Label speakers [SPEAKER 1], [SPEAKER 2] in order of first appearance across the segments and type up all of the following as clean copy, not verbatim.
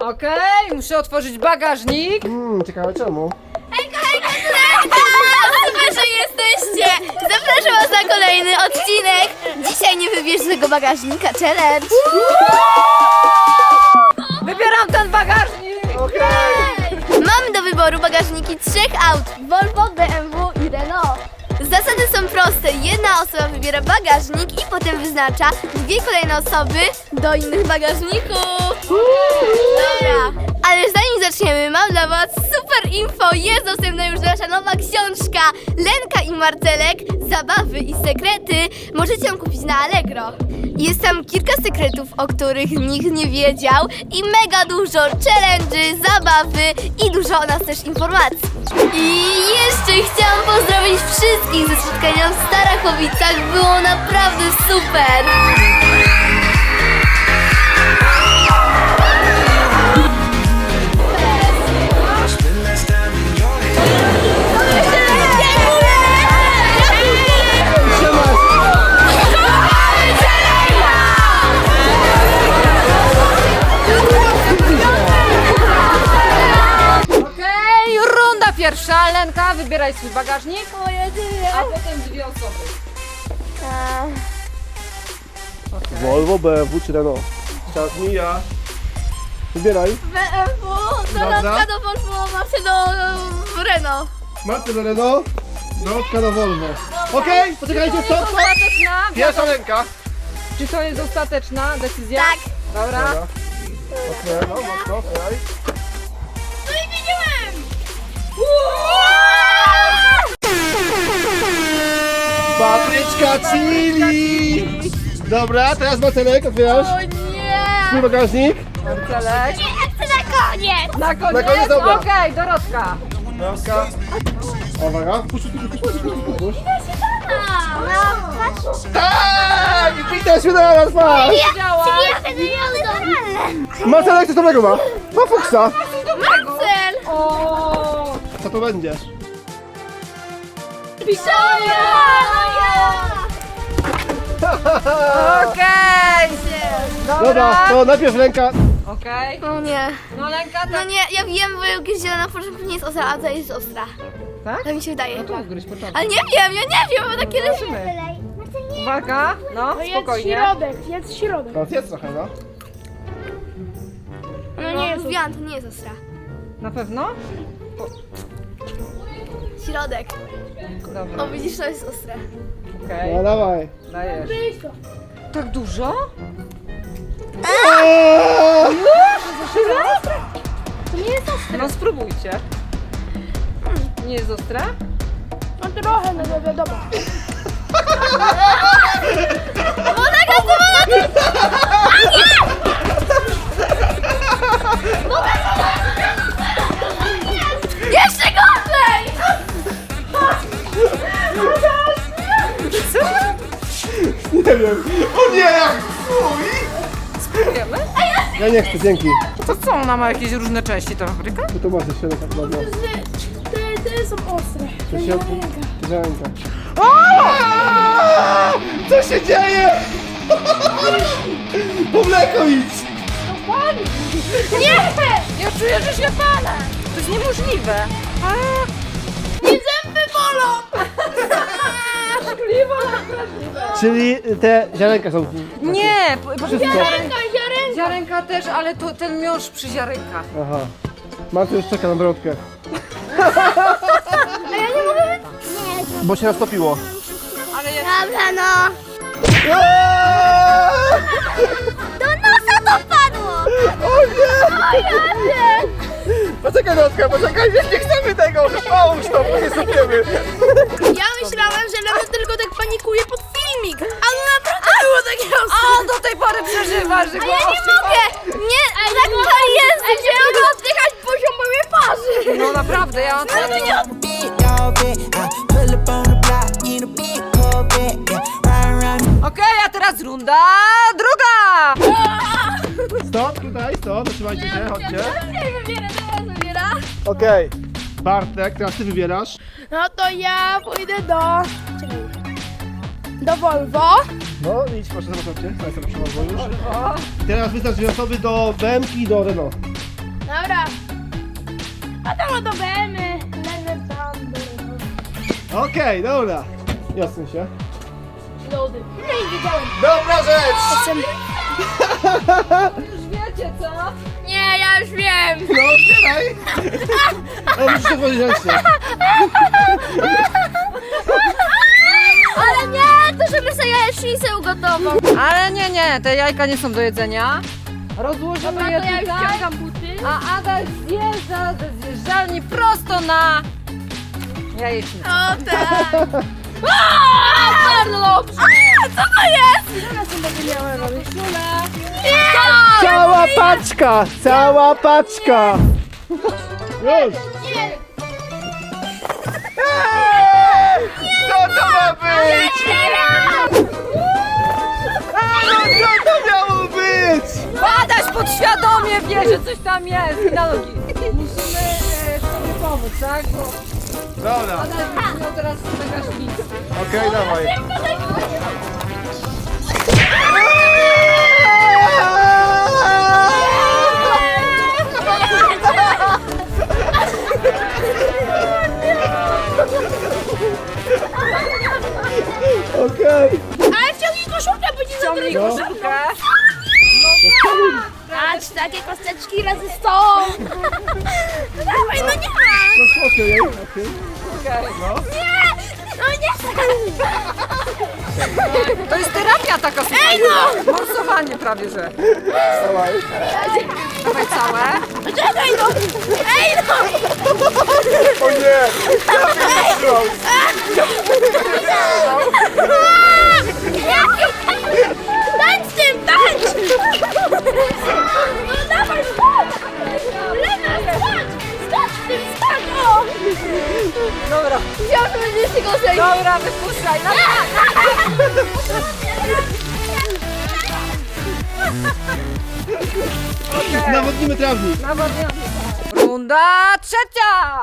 [SPEAKER 1] Okej, muszę otworzyć bagażnik.
[SPEAKER 2] Ciekawe czemu.
[SPEAKER 3] Hejka, super, że jesteście! Zapraszam was na kolejny odcinek. Dzisiaj nie wybierz tego bagażnika challenge.
[SPEAKER 1] Wybieram ten bagażnik.
[SPEAKER 3] Mamy do wyboru bagażniki 3 aut: Volvo, BMW i Renault. Zasady są proste. Jedna osoba wybiera bagażnik i potem wyznacza 2 kolejne osoby do innych bagażników. Dobra, ale zanim zaczniemy, mam dla was super info. Jest dostępna już nasza nowa książka Lenka i Marcelek, zabawy i sekrety. Możecie ją kupić na Allegro. Jest tam kilka sekretów, o których nikt nie wiedział i mega dużo challenge'y, zabawy i dużo o nas też informacji. I jeszcze chciałam pozdrowić wszystkich ze spotkania w Starachowicach. Było naprawdę super!
[SPEAKER 1] Okej, runda pierwsza. Lenka, wybieraj swój bagażnik, a potem 2 osoby.
[SPEAKER 2] Volvo, BMW czy Renault? Czas mija. Wybieraj.
[SPEAKER 3] BMW, Dorotka do Volvo, Marcel do Renault.
[SPEAKER 2] Marcel do Renault, Dorotka do Volvo. Okej, poczekajcie, stop.
[SPEAKER 1] Ostateczna?
[SPEAKER 2] Pierwsza ręka.
[SPEAKER 1] Czy to jest ostateczna decyzja?
[SPEAKER 3] Tak.
[SPEAKER 1] Dobra.
[SPEAKER 2] Mocno, mocno, otwieraj.
[SPEAKER 3] No i wiedziałem!
[SPEAKER 2] Papryczka chili. Dobra, teraz Marcelek, otwierasz.
[SPEAKER 3] O nie!
[SPEAKER 2] Swój bagażnik.
[SPEAKER 1] Marcelek.
[SPEAKER 3] Nie chcę na koniec!
[SPEAKER 1] Na koniec?
[SPEAKER 2] Na koniec, dobra.
[SPEAKER 1] Okej, Dorotka.
[SPEAKER 2] Dorotka. Uwaga. Puść. Tak! Witaj się na raz, masz!
[SPEAKER 1] Działa.
[SPEAKER 3] Ja będę miał normalne!
[SPEAKER 2] Marcelek, coś dobrego ma. Ma fuksa.
[SPEAKER 3] Marcel!
[SPEAKER 1] O.
[SPEAKER 2] Co to będzie?
[SPEAKER 3] Pisonia!
[SPEAKER 1] Okej.
[SPEAKER 2] Dobra, to najpierw ręka.
[SPEAKER 1] Okej.
[SPEAKER 3] No nie.
[SPEAKER 1] No Lenka,
[SPEAKER 3] No
[SPEAKER 1] tak.
[SPEAKER 3] nie, ja wiem, bo jak jest zielona w początku nie jest ostra, a ta jest ostra.
[SPEAKER 1] Tak?
[SPEAKER 3] Tak mi się wydaje.
[SPEAKER 1] No to ugryź początek.
[SPEAKER 3] Ale nie wiem, ja nie wiem, bo takie
[SPEAKER 1] Zobaczymy. Uwaga, no spokojnie.
[SPEAKER 4] Jedz środek.
[SPEAKER 2] Teraz jest trochę, no.
[SPEAKER 3] No nie jest. Mówiłam, to nie jest ostra.
[SPEAKER 1] Na pewno?
[SPEAKER 3] Środek.
[SPEAKER 1] Dobra,
[SPEAKER 3] O, widzisz, to jest ostre.
[SPEAKER 1] okej.
[SPEAKER 2] No dawaj.
[SPEAKER 1] Dajesz. Tak dużo?
[SPEAKER 4] To nie jest ostre.
[SPEAKER 1] No spróbujcie. Nie jest ostre?
[SPEAKER 4] No trochę, no wiadomo.
[SPEAKER 3] Jeszcze gorzej!
[SPEAKER 2] Nie wiem. O nie, jak fuj!
[SPEAKER 1] Spróbujemy?
[SPEAKER 2] Ja nie chcę, dzięki.
[SPEAKER 1] To co, ona ma jakieś różne części ta fabryka?
[SPEAKER 2] Bo to masz jeszcze tak ładno.
[SPEAKER 4] Te są ostre.
[SPEAKER 2] To się ręka. Co się dzieje? Po mleko idź!
[SPEAKER 3] Nie!
[SPEAKER 1] Ja czuję, że się palę. To jest niemożliwe.
[SPEAKER 3] Nie zęby bolą!
[SPEAKER 2] Czyli te ziarenka są...
[SPEAKER 1] Nie, proszę
[SPEAKER 2] Wszystko.
[SPEAKER 1] ziarenka też, ale to ten miąższ przy ziarenkach.
[SPEAKER 2] Aha. Marcel już czeka na brodkę.
[SPEAKER 3] A ja nie mogę...
[SPEAKER 2] Bo się roztopiło.
[SPEAKER 1] Ale ja...
[SPEAKER 3] Dobra, no. Do nosa to padło!
[SPEAKER 2] O nie!
[SPEAKER 3] O ja nie!
[SPEAKER 2] Poczekaj, Dorotka, poczekaj, nie chcemy tego! Połóż to, bo nie sypiemy!
[SPEAKER 4] Ja myślałem, że Lena tylko tak panikuje pod filmik. A no naprawdę było takie
[SPEAKER 1] A
[SPEAKER 4] ostre.
[SPEAKER 1] on do tej pory przeżywa, że
[SPEAKER 3] A
[SPEAKER 1] go...
[SPEAKER 3] ja nie mogę! Nie, tak to jest!
[SPEAKER 4] Nie mogę oddychać poziom mojej twarzy.
[SPEAKER 1] No naprawdę, ja mam to... Okej, a teraz runda druga!
[SPEAKER 2] Stop, tutaj, stop, zatrzymajcie się, chodźcie.
[SPEAKER 3] Nie wybiera, teraz wybiera.
[SPEAKER 2] Okej. Bartek, teraz ty wybierasz.
[SPEAKER 4] No to ja pójdę do... Czekaj. Do Volvo.
[SPEAKER 2] No, idź, proszę, zobaczcie. Ja sobie przełamę już. Teraz wyznacz dwie osoby do BMW i do Renault.
[SPEAKER 4] Dobra. A tam do BM-y.
[SPEAKER 2] Okej, dobra. Jasne się.
[SPEAKER 4] Lody. No i wiedziałem.
[SPEAKER 2] Dobra rzecz!
[SPEAKER 1] Już wiecie co?
[SPEAKER 4] Nie, ja już wiem.
[SPEAKER 2] No otwieraj! O, musisz to powiedzieć.
[SPEAKER 3] Ale nie, to żeby sobie jajecznicę ugotował.
[SPEAKER 1] Ale nie, te jajka nie są do jedzenia. Rozłożymy je
[SPEAKER 4] To ja już
[SPEAKER 1] tutaj,
[SPEAKER 4] ściągam buty.
[SPEAKER 1] a Adaś zjeżdża ze zjeżdżalni prosto na jajecznicę.
[SPEAKER 4] O tak. Bardzo dobrze. Co to jest? Teraz to będzie miała robić szula.
[SPEAKER 2] Cała paczka! Cała paczka! Już! Co to ma być? Co to miało być?
[SPEAKER 1] Adaś podświadomie wie, że coś tam jest. Na nogi. Musimy sobie pomóc, tak? Bo
[SPEAKER 2] Dobra,
[SPEAKER 1] Adaś będzie miał teraz bagażnicę.
[SPEAKER 2] okej, dawaj. Okej.
[SPEAKER 4] Ale wciągnij koszulkę, bo nie
[SPEAKER 1] Ciągnij
[SPEAKER 4] zabrać.
[SPEAKER 1] koszulkę.
[SPEAKER 4] Patrz, takie kosteczki razy 100. Dawaj, no nie ma.
[SPEAKER 2] No okej, okej.
[SPEAKER 1] Okej.
[SPEAKER 4] Nie, no nie.
[SPEAKER 1] To jest terapia taka, słuchaj. Morsowanie prawie, że.
[SPEAKER 2] Dawaj.
[SPEAKER 1] Dawaj całe.
[SPEAKER 4] Czekaj, no. Ej, no.
[SPEAKER 2] O nie!
[SPEAKER 4] Tańcz tym, tańcz. No dawaj, skacz. Lena, skacz. Skacz tym, skacz, o.
[SPEAKER 1] Dobra.
[SPEAKER 4] Wziął, że będzie się gorzej.
[SPEAKER 1] Dobra, wypuszczaj.
[SPEAKER 2] Nawodnimy trawnik.
[SPEAKER 1] Runda trzecia.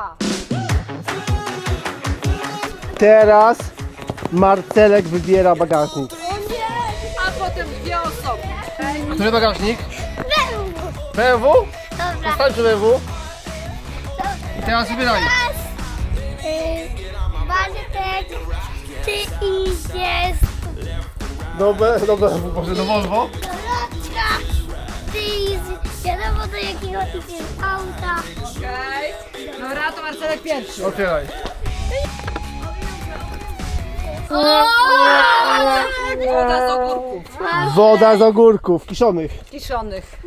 [SPEAKER 2] Teraz Marcelek wybiera bagażnik.
[SPEAKER 1] A potem dwie osoby.
[SPEAKER 2] Który bagażnik? BMW?
[SPEAKER 3] Dobra.
[SPEAKER 2] Stań przy BMW. I teraz wybieraj.
[SPEAKER 3] Bartek, ty idziesz.
[SPEAKER 2] Dobra, może do Volvo?
[SPEAKER 3] Dorotka, ty idziesz. Wiadomo do jakiego idziesz auta.
[SPEAKER 1] Okej. Dobra, to Marcelek pierwszy.
[SPEAKER 2] Otwieraj.
[SPEAKER 1] Woda z ogórków.
[SPEAKER 2] Woda z ogórków, kiszonych.
[SPEAKER 1] Kiszonych.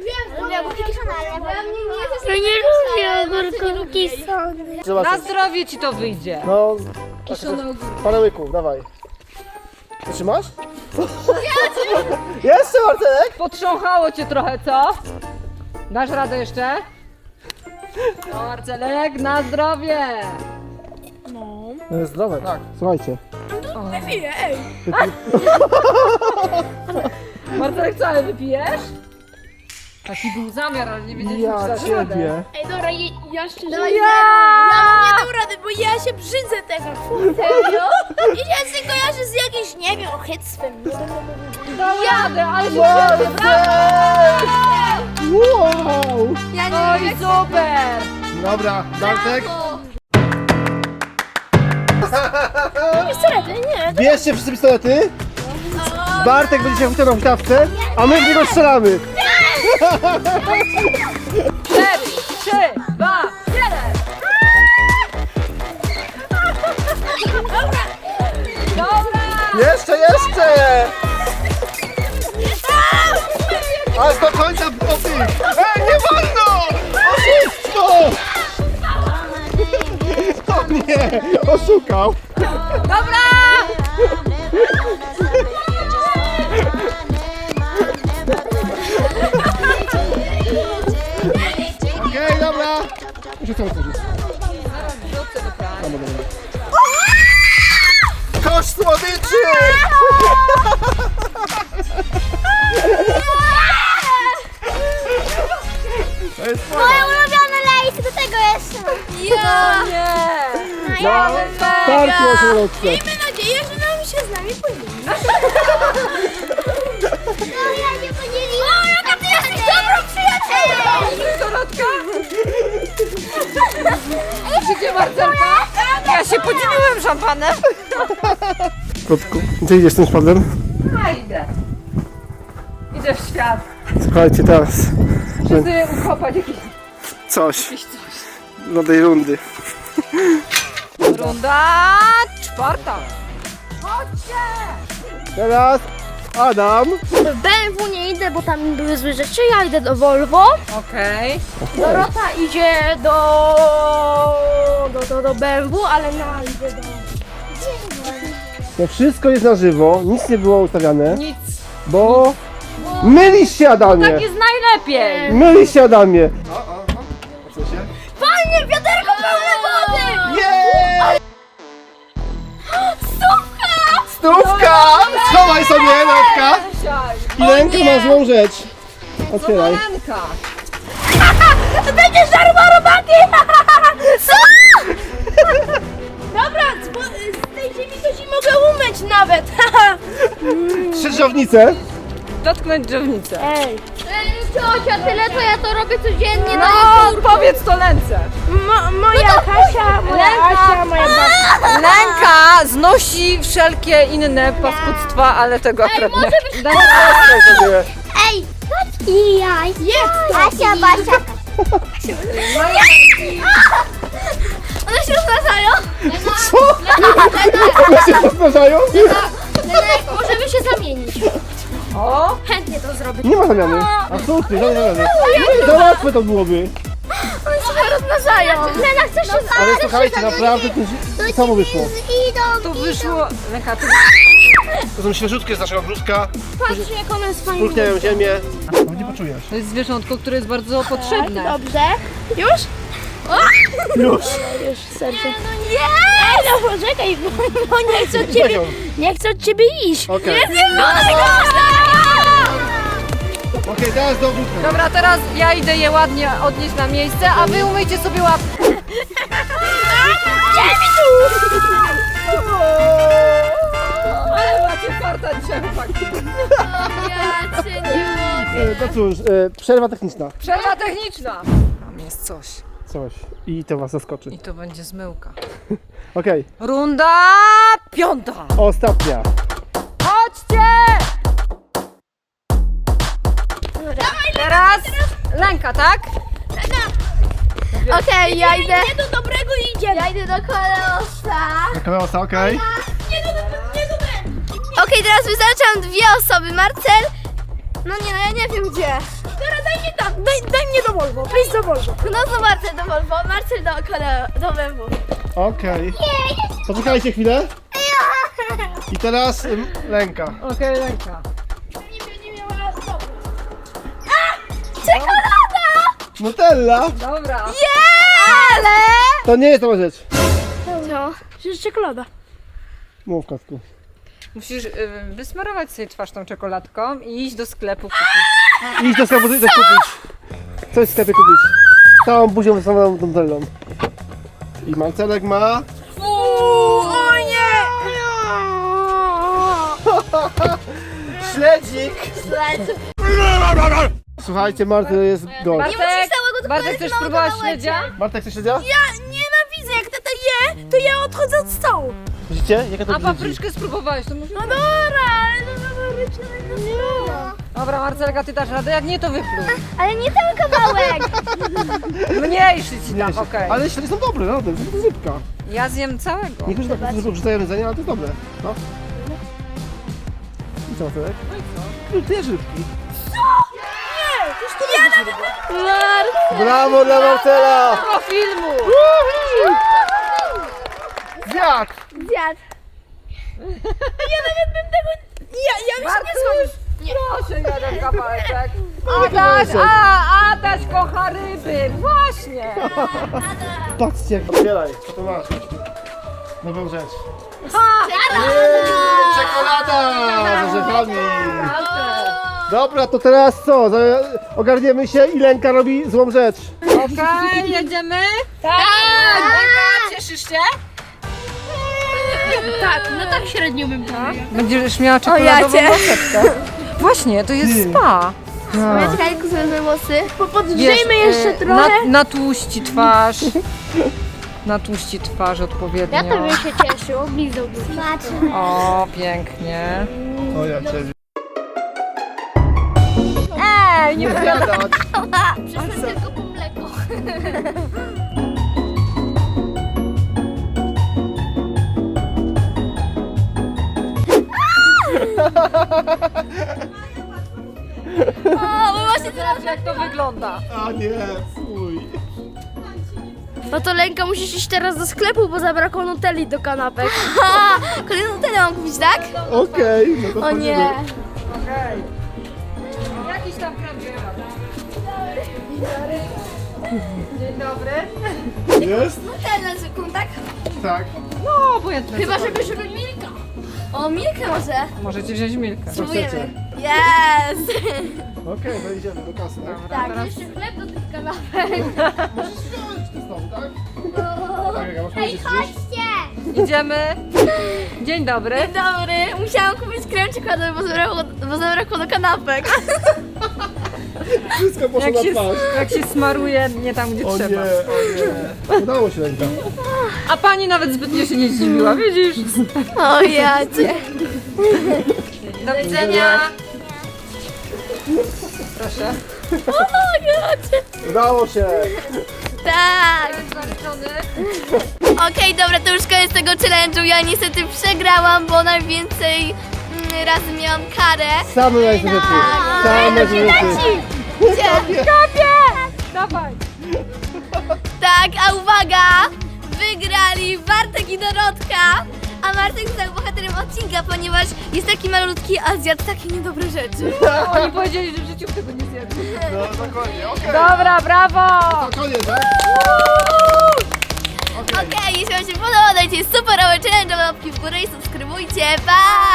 [SPEAKER 3] Ja nie lubię ogórków kiszonych.
[SPEAKER 2] Trzeba
[SPEAKER 1] Na
[SPEAKER 2] coś-
[SPEAKER 1] zdrowie ci to wyjdzie.
[SPEAKER 2] No,
[SPEAKER 1] Kiszone ogórki.
[SPEAKER 2] parę łyków, dawaj. Trzymasz? Jeszcze Marcelek?
[SPEAKER 1] Potrząchało cię trochę, co? Dasz radę jeszcze? No, Marcelek, na zdrowie.
[SPEAKER 2] Zdrowe, tak. Słuchajcie.
[SPEAKER 4] Chwilę, ej.
[SPEAKER 1] Marcelek, cały wypijesz? Taki był zamiar, ale nie wiedzieliśmy,
[SPEAKER 2] Ja
[SPEAKER 1] czy dasz radę.
[SPEAKER 2] ciebie.
[SPEAKER 4] Ej, dobra, ja szczerze
[SPEAKER 3] Dawaj,
[SPEAKER 4] ja nie dam rady, bo ja się brzydzę tego. Serio? I ja się kojarzę z jakimś, nie wiem, ochyctwem.
[SPEAKER 1] Dał radę, ale się
[SPEAKER 2] Marcelek! Wow!
[SPEAKER 3] Ja
[SPEAKER 1] No i super!
[SPEAKER 2] Dobra, Bartek.
[SPEAKER 4] Pistolety, nie.
[SPEAKER 2] Bierzcie wszyscy pistolety. Bartek będzie się wciągnął w tawce, a my w niego strzelamy.
[SPEAKER 1] 4, 3, 2, 1! Dobra!
[SPEAKER 2] Jeszcze! Aż do końca oby! Ej, nie wolno! Oszustwo! O nie, oszukał.
[SPEAKER 1] Dobra!
[SPEAKER 2] Okej, dobra. Rzucam otworzyć.
[SPEAKER 1] Wrzucę do prania.
[SPEAKER 2] Kosz słodyczy! To jest
[SPEAKER 3] Moje ulubione lejsy, do tego jeszcze.
[SPEAKER 4] Ja.
[SPEAKER 1] Nie!
[SPEAKER 2] No, starczy o środce.
[SPEAKER 4] Miejmy nadzieję, że nam się z nami podzieli.
[SPEAKER 3] No ja nie podzieliłam. O, jaka ty jesteś dobrą przyjacielką.
[SPEAKER 1] Dorotka! szampanem?
[SPEAKER 2] Kotku, gdzie idziesz z tym szpadlem?
[SPEAKER 1] A idę. Idę w świat.
[SPEAKER 2] Słuchajcie, teraz
[SPEAKER 1] Muszę sobie ukopać jakieś
[SPEAKER 2] coś
[SPEAKER 1] coś.
[SPEAKER 2] do tej rundy.
[SPEAKER 1] Runda 4. Chodźcie!
[SPEAKER 2] Teraz Adam.
[SPEAKER 4] W BMW nie idę, bo tam były złe rzeczy, ja idę do Volvo.
[SPEAKER 1] Okej.
[SPEAKER 4] Dorota idzie do BMW, ale na idzie do...
[SPEAKER 2] To wszystko jest na żywo, nic nie było ustawiane,
[SPEAKER 1] Nic.
[SPEAKER 2] bo mylisz się, Adamie!
[SPEAKER 1] Tak jest najlepiej.
[SPEAKER 2] Mylisz się, Adamie! Co się?
[SPEAKER 4] Fajnie, wiaderko pełne wody!
[SPEAKER 2] Jej!
[SPEAKER 4] Stówka!
[SPEAKER 2] Stówka! Schowaj sobie, Natka!
[SPEAKER 1] Siaj.
[SPEAKER 2] I rękę ma złą rzecz. Otwieraj.
[SPEAKER 1] Ręka.
[SPEAKER 4] Będziesz darmo robaki! Co? Dobra, z tej ziemi to ci mogę umyć nawet!
[SPEAKER 2] Trzy drzewnice.
[SPEAKER 1] Dotknąć drzewnicę.
[SPEAKER 4] Ej, ciocia, tyle to ja to robię codziennie
[SPEAKER 1] No, powiedz to Lence.
[SPEAKER 4] Moja Kasia, moja Asia, moja babcia.
[SPEAKER 1] Lęka znosi wszelkie inne paskudztwa, ale tego akurat nie. Daj
[SPEAKER 2] Sobie.
[SPEAKER 3] Ej, i jaj. Jest Asia, Basia. One się rozmnażają?
[SPEAKER 2] Co? One się rozmnażają?
[SPEAKER 3] Lenek, możemy się zamienić.
[SPEAKER 1] O,
[SPEAKER 4] Chętnie to zrobię.
[SPEAKER 2] Nie ma zamiany. Absolutnie, żadnej zamiany. Za łatwe to byłoby.
[SPEAKER 3] One się rozmnażają. Lena, chcesz się zamienić?
[SPEAKER 2] Ale słuchajcie, naprawdę to samo wyszło.
[SPEAKER 1] tu wyszło. Lęka, tu
[SPEAKER 2] To są świeżutkie z naszego ogródka.
[SPEAKER 4] Patrzcie, jak one jest fajne.
[SPEAKER 2] Pulchniają ziemię. Nie poczujesz.
[SPEAKER 1] to jest zwierzątko, które jest bardzo potrzebne.
[SPEAKER 4] Dobrze. Już?
[SPEAKER 2] Już.
[SPEAKER 4] Już, serce. No nie! Ej, no poczekaj, bo nie chcę od ciebie, nie chcę od ciebie iść.
[SPEAKER 2] Okej. Okej, teraz do ogródka.
[SPEAKER 1] Dobra, teraz ja idę je ładnie odnieść na miejsce, a wy umyjcie sobie łapki. Ale macie farta dzisiaj, chłopaki.
[SPEAKER 3] Ja cię nie mogę.
[SPEAKER 2] To cóż, przerwa techniczna.
[SPEAKER 1] Przerwa techniczna. Tam jest coś.
[SPEAKER 2] Coś. I to was zaskoczy.
[SPEAKER 1] I to będzie zmyłka.
[SPEAKER 2] Okej,
[SPEAKER 1] Runda 5.
[SPEAKER 2] ostatnia.
[SPEAKER 1] Chodźcie! Teraz Lęka, tak?
[SPEAKER 3] Okej, ja idę.
[SPEAKER 4] Nie do dobrego idzie.
[SPEAKER 3] Ja idę do kolosa.
[SPEAKER 2] Kolosa, okej.
[SPEAKER 4] Nie do
[SPEAKER 3] Okej, teraz wyznaczam dwie osoby. Marcel. No nie, no ja nie wiem gdzie.
[SPEAKER 4] Dobra, daj mnie tam, daj mnie do Volvo, please do Volvo.
[SPEAKER 3] No to Marcel do Volvo, Marcel do BMW.
[SPEAKER 2] Okej. Poczekajcie chwilę. I teraz Lęka.
[SPEAKER 1] Okej, Lęka.
[SPEAKER 4] Nie miała stopy.
[SPEAKER 2] Nutella!
[SPEAKER 1] Dobra.
[SPEAKER 3] Ale...
[SPEAKER 2] To nie jest to rzecz.
[SPEAKER 3] Co?
[SPEAKER 4] Przecież czekolada.
[SPEAKER 2] Mów, kotku.
[SPEAKER 1] Musisz wysmarować sobie twarz tą czekoladką i iść do sklepu kupić.
[SPEAKER 2] Idź do sklepu, coś kupić. Coś w sklepie kupić. Całą buzią wysłaną Nutellą. I Marcelek ma...
[SPEAKER 4] O nie!
[SPEAKER 2] Śledzik! Słuchajcie, Marcel jest gość.
[SPEAKER 1] Bartek,
[SPEAKER 3] całego, to
[SPEAKER 1] Bartek,
[SPEAKER 3] powiedz
[SPEAKER 1] chcesz
[SPEAKER 3] małego
[SPEAKER 1] spróbować
[SPEAKER 3] małeczka.
[SPEAKER 1] śledzia?
[SPEAKER 2] Bartek, chcesz śledzia?
[SPEAKER 4] Ja nienawidzę, jak tata je, to ja odchodzę od stołu.
[SPEAKER 2] Widzicie? Jaka to
[SPEAKER 1] A
[SPEAKER 2] brzydzi?
[SPEAKER 1] papryczkę spróbowałeś, to może...
[SPEAKER 4] No dobra, ale to fabryczne nie.
[SPEAKER 1] Dobra, Marcelka, ty dasz radę, jak nie, to wypluj.
[SPEAKER 3] Ale nie ten kawałek.
[SPEAKER 2] Nie,
[SPEAKER 1] Mniejszy ci tam, okej.
[SPEAKER 2] Ale śledzie są dobre, no, to jest zupka.
[SPEAKER 1] Ja zjem całego.
[SPEAKER 2] Niektórzy tak tylko wrzucają jedzenie, ale to jest dobre. No. I co, Marcelek? No i co? Ty rybki. Brawo dla Marcela!
[SPEAKER 1] Do filmu!
[SPEAKER 2] Zjadł!
[SPEAKER 3] Zjadł.
[SPEAKER 4] Ja nawet bym tego... Ja bym się nie schodził.
[SPEAKER 1] Proszę, jeden kawałeczek. Adaś kocha ryby, właśnie.
[SPEAKER 2] Patrzcie jak... Otwieraj, co to masz? Nową rzecz. Czekolada z orzechami. Dobra, to teraz co? Ogarniemy się i Lenka robi złą rzecz.
[SPEAKER 1] Okej, jedziemy? Tak! Lenka, cieszysz się?
[SPEAKER 4] Tak, no tak średnio bym powiedział.
[SPEAKER 1] Będziesz miała czekoladową
[SPEAKER 3] cię.
[SPEAKER 1] maseczkę. Właśnie, to jest spa.
[SPEAKER 3] Ja czekaj, tylko sobie włosy.
[SPEAKER 4] Podgrzejmy jeszcze trochę.
[SPEAKER 1] Natłuści twarz. natłuści twarz odpowiednio.
[SPEAKER 4] Ja to bym się cieszył, oblizałbym się.
[SPEAKER 1] O, pięknie.
[SPEAKER 2] O, ja cię
[SPEAKER 1] Ej, nie
[SPEAKER 2] gadać.
[SPEAKER 4] Przeszłam tylko po mleko.
[SPEAKER 3] O, my właśnie teraz...
[SPEAKER 1] jak to wygląda.
[SPEAKER 2] A nie, fuj.
[SPEAKER 4] No to Lenka, musisz iść teraz do sklepu, bo zabrakło nutelli do kanapek.
[SPEAKER 3] Ha! Kolejną tyle mam kupić, tak?
[SPEAKER 2] Okej, no to
[SPEAKER 3] O
[SPEAKER 2] wchodzimy.
[SPEAKER 3] nie.
[SPEAKER 1] Okej. Jakiś tam prawdziwy. Dzień dobry.
[SPEAKER 2] Jest?
[SPEAKER 3] Nutellę zwykłą, tak?
[SPEAKER 2] Tak.
[SPEAKER 1] No, obojętne.
[SPEAKER 4] Chyba,
[SPEAKER 1] co
[SPEAKER 4] żeby szukać Milka.
[SPEAKER 3] O, Milkę może.
[SPEAKER 1] Możecie wziąć Milkę.
[SPEAKER 2] Co
[SPEAKER 3] Spróbujemy.
[SPEAKER 2] chcecie?
[SPEAKER 3] Jest!
[SPEAKER 2] Okej, to idziemy do kasy, tak?
[SPEAKER 1] Dobra,
[SPEAKER 3] Tak,
[SPEAKER 1] teraz
[SPEAKER 4] Jeszcze chleb do tych kanapek.
[SPEAKER 2] Możesz wziąć to znowu, tak? Tak, jak masz powiedzieć gdzieś?
[SPEAKER 3] Chodźcie!
[SPEAKER 1] idziemy. Dzień dobry.
[SPEAKER 3] Dzień dobry. Musiałam kupić krem czekoladowy, bo zabrakło do kanapek.
[SPEAKER 2] Wszystko poszło
[SPEAKER 1] Jak
[SPEAKER 2] na
[SPEAKER 1] się,
[SPEAKER 2] twarz.
[SPEAKER 1] jak się smaruje nie tam, gdzie
[SPEAKER 2] O nie,
[SPEAKER 1] trzeba.
[SPEAKER 2] o nie. Udało się, Lenka.
[SPEAKER 1] A pani nawet zbytnio się nie zdziwiła, widzisz?
[SPEAKER 3] O jacie.
[SPEAKER 1] Do widzenia. Proszę.
[SPEAKER 3] O jacie.
[SPEAKER 2] Udało się.
[SPEAKER 3] Tak.
[SPEAKER 1] Zaliczony.
[SPEAKER 3] Okej, dobra, to już koniec tego challenge'u. Ja niestety przegrałam, bo najwięcej razy miałam karę.
[SPEAKER 2] Same najlepsze rzeczy. Same najlepsze rzeczy.
[SPEAKER 3] Gdzie?
[SPEAKER 1] Dawaj.
[SPEAKER 3] Tak, a uwaga! Wygrali Bartek i Dorotka! A Bartek został bohaterem odcinka, ponieważ jest taki malutki, a zjadł takie niedobre rzeczy.
[SPEAKER 1] Oni powiedzieli, że w życiu tego nie zjadł.
[SPEAKER 2] No, dokładnie, okej.
[SPEAKER 1] Dobra, brawo.
[SPEAKER 2] To koniec, tak?
[SPEAKER 3] Okej, jeśli wam się podoba, dajcie super challenge, łapki w górę i subskrybujcie. Pa!